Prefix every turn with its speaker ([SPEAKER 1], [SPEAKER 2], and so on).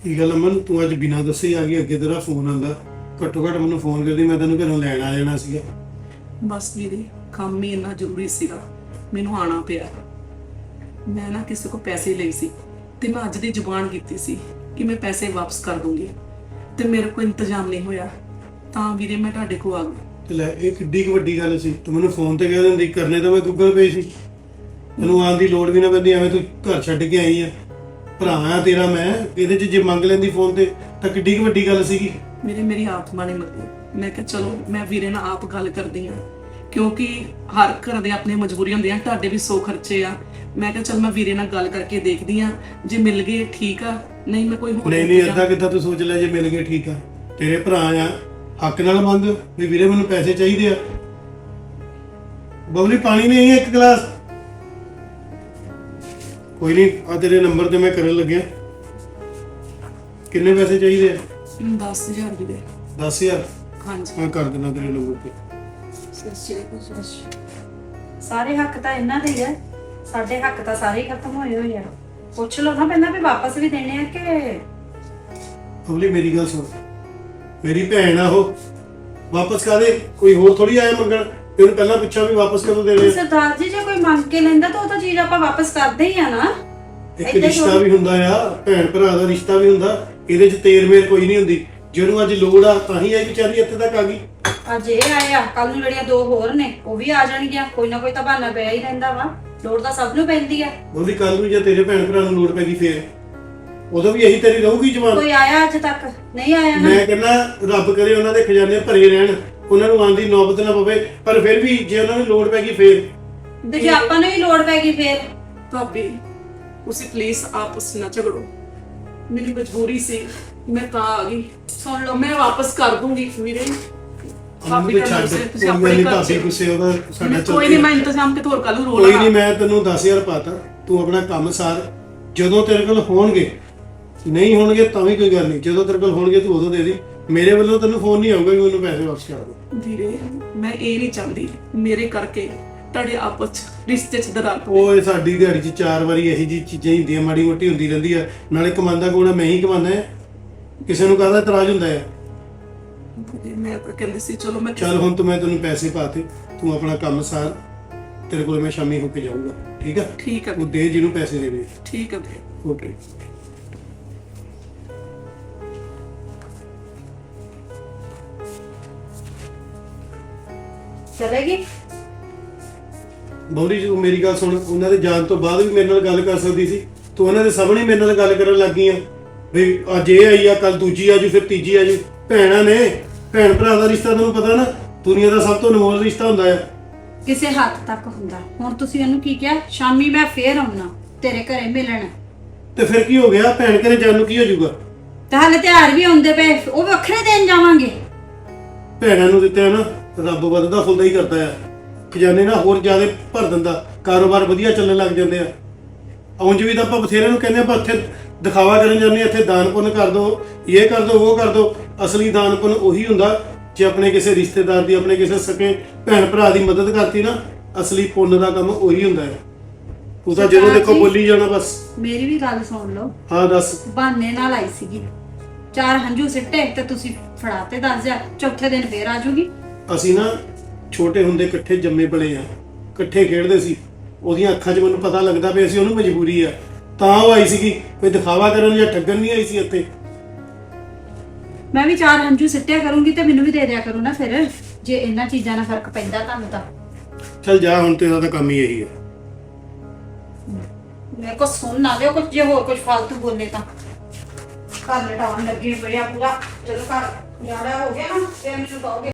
[SPEAKER 1] ਕੀ ਗੱਲ ਅਮਨ, ਤੂੰ ਅੱਜ ਬਿਨਾਂ ਦੱਸੇ ਹੀ ਆ ਗਈ? ਅੱਗੇ ਤੇਰਾ ਫੋਨ ਆਂਦਾ, ਘੱਟੋ ਘੱਟ ਮੈਨੂੰ ਫੋਨ ਕਰਦੀ, ਮੈਂ ਤੈਨੂੰ ਘਰੋਂ ਲੈਣ ਆ ਜਾਣਾ ਸੀਗਾ।
[SPEAKER 2] ਬਸ ਵੀਰੇ ਕੰਮ ਹੀ ਇੰਨਾ ਜ਼ਰੂਰੀ ਸੀਗਾ, ਮੈਨੂੰ ਆਣਾ ਪਿਆ। ਮੈਂ ਨਾ ਕਿਸੇ ਕੋ ਪੈਸੇ ਲਏ ਸੀ ਤੇ ਮੈਂ ਅੱਜ ਦੀ ਜ਼ੁਬਾਨ ਕੀਤੀ ਸੀ ਕਿ ਮੈਂ ਪੈਸੇ ਵਾਪਸ ਕਰ ਦੂੰਗੀ, ਤੇ ਮੇਰੇ ਕੋਲ ਇੰਤਜ਼ਾਮ ਨਹੀਂ ਹੋਇਆ, ਤਾਂ ਵੀਰੇ ਮੈਂ ਤੁਹਾਡੇ ਕੋਲ ਆ ਗਈ।
[SPEAKER 1] ਤੇ ਲੈ, ਇਹ ਕਿੱਡੀ ਕੁ ਵੱਡੀ ਗੱਲ ਸੀ? ਤੂੰ ਮੈਨੂੰ ਫੋਨ ਤੇ ਕਹਿ ਦਿੰਦੀ, ਕਰਨੇ ਤਾਂ ਮੈਂ ਗੂਗਲ ਪੇ ਸੀ। ਤੈਨੂੰ ਆਉਣ ਦੀ ਲੋੜ ਵੀ ਨਾ ਪੈਂਦੀ, ਐਵੇਂ ਤੂੰ ਘਰ ਛੱਡ ਕੇ ਆਈ ਆ। ਭਰਾ ਆ ਤੇਰਾ ਮੈਂ, ਇਹਦੇ 'ਚ ਜੇ ਮੰਗ ਲੈਂਦੀ ਫੋਨ ਤੇ ਤਾਂ ਕਿੱਡੀ ਕੁ ਵੱਡੀ ਗੱਲ ਸੀਗੀ।
[SPEAKER 2] ਮੇਰੀ ਆਤਮਾ ਨੇ ਮੰਗੀ। ਮੈਂ ਕਿਹਾ ਚਲੋ ਮੈਂ ਵੀਰੇ ਨਾਲ ਆਪ ਗੱਲ ਕਰਦੀ ਹਾਂ, ਕਿਉਂਕਿ ਹਰ ਘਰ ਦੇ ਆਪਣੇ ਮਜਬੂਰੀ ਹੁੰਦੀ ਆ, ਤੁਹਾਡੇ ਵੀ 100 ਖਰਚੇ ਆ। ਮੈਂ ਕਿਹਾ ਚਲ ਮੈਂ ਵੀਰੇ ਨਾਲ ਗੱਲ ਕਰਕੇ ਦੇਖਦੀ ਆ, ਜੇ ਮਿਲ ਗਏ ਠੀਕ ਆ, ਨਹੀਂ ਮੈਂ ਕੋਈ ਹੋਰ
[SPEAKER 1] ਨਹੀਂ ਏਦਾਂ ਕਿੱਦਾਂ ਤੂੰ ਸੋਚ ਲੈ, ਜੇ ਮਿਲ ਗਏ ਠੀਕ ਆ। ਤੇਰੇ ਭਰਾ ਆ, ਹੱਕ ਨਾਲ ਮੰਗ ਵੀ ਵੀਰੇ ਮੈਨੂੰ ਪੈਸੇ ਚਾਹੀਦੇ ਆ। ਬਬਲੀ ਪਾਣੀ ਨਹੀਂ ਹੈ, ਇੱਕ ਗਲਾਸ। ਕੋਈ ਨਹੀਂ, ਆ ਤੇਰੇ ਨੰਬਰ ਤੇ ਮੈਂ ਕਰਨ ਲੱਗਿਆ। ਕਿੰਨੇ ਪੈਸੇ ਚਾਹੀਦੇ ਆ?
[SPEAKER 2] 10,000 ਵੀਰੇ।
[SPEAKER 1] 10,000?
[SPEAKER 2] ਹਾਂਜੀ
[SPEAKER 1] ਮੈਂ ਕਰ ਦਿੰਦਾ ਤੇਰੇ ਨੰਬਰ ਤੇ।
[SPEAKER 3] ਸਾਰੇ ਹੱਕ ਤਾਂ ਇਹਨਾਂ ਦੇ ਹੀ ਆ, ਸਾਡੇ ਹੱਕ ਤਾਂ ਸਾਰੇ ਹੀ ਖਤਮ ਹੋਏ ਹੋਏ ਆ। ਪੁੱਛ ਲਓ ਨਾ ਪਹਿਲਾਂ ਵੀ ਵਾਪਸ ਵੀ ਦੇਣੇ ਆ ਕਿ।
[SPEAKER 1] ਬਬਲੀ ਮੇਰੀ ਗੱਲ ਸੁਣ, ਮੇਰੀ ਭੈਣ ਆ ਉਹ, ਵਾਪਸ ਕਾਦੇ? ਕੋਈ ਹੋਰ ਥੋੜੀ ਆਇਆ ਮੰਗਣ। ਤੈਨੂੰ ਪਹਿਲਾਂ ਪੁੱਛਿਆ ਵੀ ਵਾਪਸ ਕਦੋਂ ਦੇਣੇ?
[SPEAKER 3] ਸਰਦਾਰ ਜੀ, ਜੇ ਕੋਈ ਮੰਗ ਕੇ ਲੈਂਦਾ ਤਾਂ ਉਹ ਤਾਂ ਚੀਜ਼ ਆਪਾਂ ਵਾਪਸ ਕਰਦੇ ਹੀ ਆ ਨਾ।
[SPEAKER 1] ਇੱਕ ਰਿਸ਼ਤਾ ਵੀ ਹੁੰਦਾ ਆ, ਭੈਣ ਭਰਾ ਦਾ ਰਿਸ਼ਤਾ ਵੀ ਹੁੰਦਾ, ਇਹਦੇ 'ਚ ਤੇਰ ਮੇਰ ਕੋਈ ਨਹੀਂ ਹੁੰਦੀ। ਜਿਹਨੂੰ ਅੱਜ ਲੋੜ ਆ ਤਾਂ ਹੀ ਇਹ ਵਿਚਾਰੀ ਇੱਥੇ ਤੱਕ ਆ ਗਈ।
[SPEAKER 3] ਅੱਜ ਇਹ ਆਇਆ, ਕੱਲ ਨੂੰ ਜਿਹੜੀਆਂ ਦੋ ਹੋਰ ਨੇ ਉਹ ਵੀ ਆ ਜਾਣਗੀਆਂ। ਕੋਈ ਨਾ ਕੋਈ ਤਾਂ ਬਹਾਨਾ ਪਿਆ ਹੀ ਰਹਿੰਦਾ ਵਾ, ਲੋੜ ਤਾਂ ਸਭ ਨੂੰ ਪੈਂਦੀ ਆ।
[SPEAKER 1] ਉਹਦੀ ਕੱਲ ਨੂੰ ਜੇ ਤੇਰੇ ਭੈਣ ਭਰਾ ਨੂੰ ਲੋੜ ਪੈ ਗਈ ਫੇਰ ਉਦੋਂ ਵੀ ਇਹੀ ਤੇਰੀ ਰਹੂਗੀ ਜਵਾਨ।
[SPEAKER 3] ਕੋਈ ਆਇਆ ਅੱਜ ਤੱਕ? ਨਹੀਂ ਆਇਆ ਨਾ।
[SPEAKER 1] ਮੈਂ ਕਹਿੰਦਾ ਰੱਬ ਕਰੇ ਉਹਨਾਂ ਦੇ ਖਜ਼ਾਨੇ ਭਰੇ ਰਹਿਣ, ਉਹਨਾਂ ਨੂੰ ਆਉਣ ਦੀ ਨੌਬਤ ਨਾ ਪਵੇ, ਪਰ ਫਿਰ ਵੀ ਜੇ ਉਹਨਾਂ ਨੂੰ ਲੋੜ ਪੈ ਗਈ ਫੇਰ।
[SPEAKER 3] ਤੇ ਜੇ ਆਪਾਂ ਨੂੰ ਹੀ ਲੋੜ ਪੈ ਗਈ ਫੇਰ?
[SPEAKER 2] ਭਾਬੀ ਤੁਸੀਂ ਪਲੀਜ਼ ਆਪਸ ਨਾ ਝਗੜੋ, ਮੇਰੀ ਮਜਬੂਰੀ ਸੀ, ਮੈਂ ਤਾਂ ਆ ਗਈ।
[SPEAKER 3] ਸੁਣ ਲਓ,
[SPEAKER 2] ਮੈਂ ਵਾਪਸ ਕਰ ਦੂੰਗੀ ਵੀਰੇ।
[SPEAKER 1] ਭਾਬੀ ਛੱਡ, ਕੋਈ ਨਹੀਂ ਭਾਬੀ ਗੁੱਸੇ ਉਹਦਾ ਸਾਡਾ ਚੱਲ
[SPEAKER 2] ਕੋਈ ਨਹੀਂ, ਮੈਂ ਇੰਤਜ਼ਾਮ ਕਿਤੇ ਹੋਰ ਕਰ ਲੂ।
[SPEAKER 1] ਕੋਈ ਨਹੀਂ, ਮੈਂ ਤੈਨੂੰ 10,000 ਪਾਤਾ, ਤੂੰ ਆਪਣਾ ਕੰਮ ਸਾਰ। ਜਦੋਂ ਤੇਰੇ ਕੋਲ ਹੋਣਗੇ, ਨਹੀਂ ਹੋਣਗੇ ਤਾਂ ਵੀ ਕੋਈ ਗੱਲ ਨਹੀਂ, ਜਦੋਂ ਤੇਰੇ ਕੋਲ ਹੋਣਗੇ ਤੂੰ ਉਦੋਂ ਦੇ ਦੇ। ਮੇਰੇ ਵੱਲੋਂ ਤੈਨੂੰ ਫੋਨ ਨਹੀਂ ਆਊਗਾ ਕਿ ਮੈਨੂੰ ਪੈਸੇ ਵਾਪਸ ਕਰ ਦੇ।
[SPEAKER 2] ਵੀਰੇ ਮੈਂ ਇਹ ਨਹੀਂ ਚਾਹੁੰਦੀ ਮੇਰੇ ਕਰਕੇ ਤੁਹਾਡੇ ਆਪਸ ਚ ਰਿਸ਼ਤੇ ਚ ਦਰਾਰ ਪਵੇ।
[SPEAKER 1] ਓਏ ਸਾਡੀ ਦਿਹਾੜੀ 'ਚ 4 ਵਾਰੀ ਇਹੀ ਜੀ ਚੀਜ਼ਾਂ ਹੀ ਹੁੰਦੀਆਂ, ਮਾੜੀ ਮੋਟੀ ਹੁੰਦੀ ਰਹਿੰਦੀ ਆ। ਨਾਲੇ ਕਮਾਉਂਦਾ ਕੋਣਾ ਮੈਂ ਹੀ ਕਮਾਉਂਦਾ ਆ, ਕਿਸੇ ਨੂੰ ਕਾਹਦਾ ਇਤਰਾਜ਼ ਹੁੰਦਾ ਆ?
[SPEAKER 2] ਮੈਂ ਤਾਂ ਕਹਿੰਦੀ ਸੀ ਚਲੋ ਮੈਂ
[SPEAKER 1] ਚੱਲ ਹੁਣ ਤੂੰ, ਮੈਂ ਤੈਨੂੰ ਪੈਸੇ ਪਾਤੇ, ਤੂੰ ਆਪਣਾ ਕੰਮ ਸਾਰ। ਤੇਰੇ ਕੋਲ ਮੈਂ ਸ਼ਾਮੀ ਹੋ ਕੇ ਜਾਊਂਗਾ, ਠੀਕ ਆ?
[SPEAKER 2] ਠੀਕ ਆ
[SPEAKER 1] ਉਹ ਦੇ ਜਿਹਨੂੰ ਪੈਸੇ ਦੇਣੇ।
[SPEAKER 2] ਠੀਕ ਆ ਵੀਰੇ।
[SPEAKER 1] ਓਕੇ।
[SPEAKER 3] ਚਲੇਗੀ?
[SPEAKER 1] ਬੌਲੀ ਜੀ, ਮੇਰੀ ਗੱਲ ਸੁਣ, ਉਹਨਾਂ ਦੇ ਜਾਣ ਤੋਂ ਬਾਅਦ ਵੀ ਮੇਰੇ ਨਾਲ ਗੱਲ ਕਰ ਸਕਦੀ ਸੀ। ਤੂੰ ਉਹਨਾਂ ਦੇ ਸਾਹਮਣੇ ਮੇਰੇ ਨਾਲ ਗੱਲ ਕਰਨ ਲੱਗ ਗਈ ਆ ਵੀ ਅੱਜ ਇਹ ਆਈ ਆ, ਕੱਲ ਦੂਜੀ ਆਜੂ, ਫਿਰ ਤੀਜੀ ਆਜੂ। ਭੈਣਾਂ ਨੇ, ਭੈਣ ਭਰਾ ਦਾ ਰਿਸ਼ਤਾ ਤੈਨੂੰ ਪਤਾ ਨਾ, ਦੁਨੀਆ ਦਾ ਸਭ ਤੋਂ ਅਨਮੋਲ ਰਿਸ਼ਤਾ ਹੁੰਦਾ ਆ।
[SPEAKER 3] ਕਿਸੇ ਹੱਦ ਤੱਕ ਹੁੰਦਾ। ਹੁਣ ਤੁਸੀਂ ਇਹਨੂੰ ਕੀ ਕਿਹਾ? ਸ਼ਾਮੀ ਮੈਂ ਫੇਰ ਆਉਣਾ ਤੇਰੇ ਘਰੇ ਮਿਲਣ।
[SPEAKER 1] ਤੇ ਫਿਰ ਕੀ ਹੋ ਗਿਆ? ਭੈਣ ਘਰੇ ਜਾਣ ਨੂੰ ਕੀ ਹੋ ਜਾਊਗਾ?
[SPEAKER 3] ਤੇ ਹਾਲੇ ਤਿਉਹਾਰ ਵੀ ਆਉਂਦੇ ਪਏ, ਉਹ ਵੱਖਰੇ ਦਿਨ ਜਾਵਾਂਗੇ।
[SPEAKER 1] ਭੈਣਾਂ ਨੂੰ ਦਿੱਤੇ ਨਾ, ਰੱਬ ਵੱਧਦਾ ਫੁੱਲਦਾ ਹੀ ਕਰਦਾ ਆ। ਖਜ਼ਾਨੇ ਨਾਲ ਹੋਰ ਜ਼ਿਆਦਾ ਭਰ ਦਿੰਦਾ, ਕਾਰੋਬਾਰ ਵਧੀਆ ਚੱਲਣ ਲੱਗ ਜਾਂਦੇ ਆ। ਉਂਝ ਵੀ ਤਾਂ ਆਪਾਂ ਬਥੇਰੇ ਨੂੰ ਕਹਿੰਦੇ ਆਪਾਂ ਇੱਥੇ ਦਿਖਾਵਾ ਕਰਨ ਜਾਂਦੇ ਆ, ਇੱਥੇ ਦਾਨ ਪੁੰਨ ਕਰ ਦੋ, ਇਹ ਕਰ ਦੋ, ਉਹ ਕਰ ਦੋ। ਅਸਲੀ ਦਾਨ ਪੁੰਨ ਉਹੀ ਹੁੰਦਾ ਜੇ ਆਪਣੇ ਕਿਸੇ ਰਿਸ਼ਤੇਦਾਰ ਦੀ, ਆਪਣੇ ਕਿਸੇ ਸਕੇ ਭੈਣ ਭਰਾ ਦੀ ਮਦਦ ਕਰਤੀ ਨਾ, ਅਸਲੀ ਪੁੰਨ ਦਾ ਕੰਮ ਉਹੀ ਹੁੰਦਾ ਹੈ। ਤੂੰ ਤਾਂ ਜਦੋਂ ਦੇਖੋ ਬੋਲੀ ਜਾਣਾ ਬਸ।
[SPEAKER 3] ਮੇਰੀ ਵੀ ਗੱਲ ਸੁਣ ਲਓ।
[SPEAKER 1] ਹਾਂ ਦੱਸ।
[SPEAKER 3] ਬਹਾਨੇ ਨਾਲ ਆਈ ਸੀਗੀ, 4 ਹੰਝੂ ਸਿੱਟੇ ਤੇ ਤੁਸੀਂ ਫੜਾਤੇ 10,000। ਚੌਥੇ ਦਿਨ ਫੇਰ ਆ ਜੂਗੀ।
[SPEAKER 1] ਅਸੀਂ ਨਾ ਛੋਟੇ ਹੁੰਦੇ ਇਕੱਠੇ ਜੰਮੇ ਪਲੇ ਆ, ਇਕੱਠੇ ਖੇਡਦੇ ਸੀ। ਉਹਦੀਆਂ ਅੱਖਾਂ 'ਚ ਮੈਨੂੰ ਪਤਾ ਲੱਗਦਾ ਪਿਆ ਸੀ ਉਹਨੂੰ ਮਜਬੂਰੀ ਆ, ਤਾਂ ਉਹ ਆਈ ਸੀਗੀ। ਕੋਈ ਦਿਖਾਵਾ ਕਰਨ ਜਾਂ ਠੱਗਣ ਨਹੀਂ ਆਈ ਸੀ ਇੱਥੇ।
[SPEAKER 3] ਮੈਂ ਵੀ 4 ਹੰਝੂ ਸਿੱਟਿਆ ਕਰੂੰਗੀ ਤੇ ਮੈਨੂੰ ਵੀ ਦੇ ਦਿਆ ਕਰੂ ਨਾ ਫਿਰ, ਜੇ ਇਹਨਾਂ ਚੀਜ਼ਾਂ ਨਾਲ ਫਰਕ ਪੈਂਦਾ ਤੁਹਾਨੂੰ ਤਾਂ।
[SPEAKER 1] ਚੱਲ ਜਾ, ਹੁਣ ਤੇਰਾ ਤਾਂ ਕੰਮ ਹੀ ਇਹੀ ਹੈ।
[SPEAKER 3] ਮੇਰੇ ਕੋ ਸੁਣ ਨਾ ਲਿਓ ਕੁਝ, ਜੇ ਹੋਰ ਕੁਝ ਫालतू ਬੋਲੇ ਤਾਂ ਘਰ ਲਟਾਉਣ ਲੱਗੇ ਬੜਿਆ ਪੂਰਾ। ਜਦੋਂ ਘਰ ਜਾੜਾ ਹੋ ਗਿਆ ਨਾ ਫਿਰ ਮੈਨੂੰ ਕਹੋਗੇ।